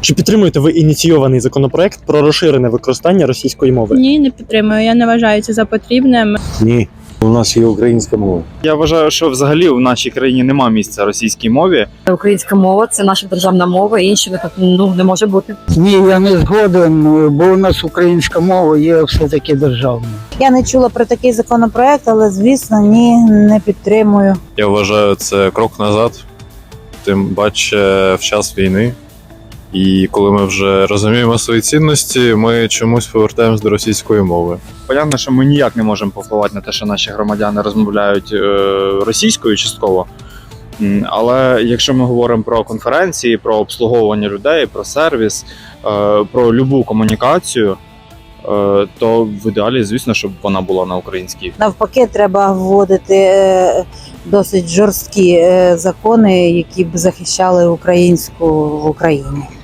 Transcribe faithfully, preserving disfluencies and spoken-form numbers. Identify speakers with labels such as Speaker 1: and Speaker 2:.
Speaker 1: Чи підтримуєте ви ініційований законопроект про розширене використання російської мови?
Speaker 2: Ні, не підтримую. Я не вважаю це за потрібним.
Speaker 3: Ні, у нас є українська мова.
Speaker 4: Я вважаю, що взагалі в нашій країні немає місця російській мові.
Speaker 5: Українська мова – це наша державна мова, іншої ну, не може бути.
Speaker 6: Ні, я не згоден, бо у нас українська мова є все-таки державною.
Speaker 7: Я не чула про такий законопроект, але, звісно, ні, не підтримую.
Speaker 8: Я вважаю, це крок назад, тим паче в час війни. І коли ми вже розуміємо свої цінності, ми чомусь повертаємось до російської мови.
Speaker 4: Понятно, що ми ніяк не можемо повпливати на те, що наші громадяни розмовляють е, російською частково. М, Але якщо ми говоримо про конференції, про обслуговування людей, про сервіс, е, про любу комунікацію, е, то в ідеалі, звісно, щоб вона була на українській.
Speaker 7: Навпаки, треба вводити е, досить жорсткі е, закони, які б захищали українську в Україні.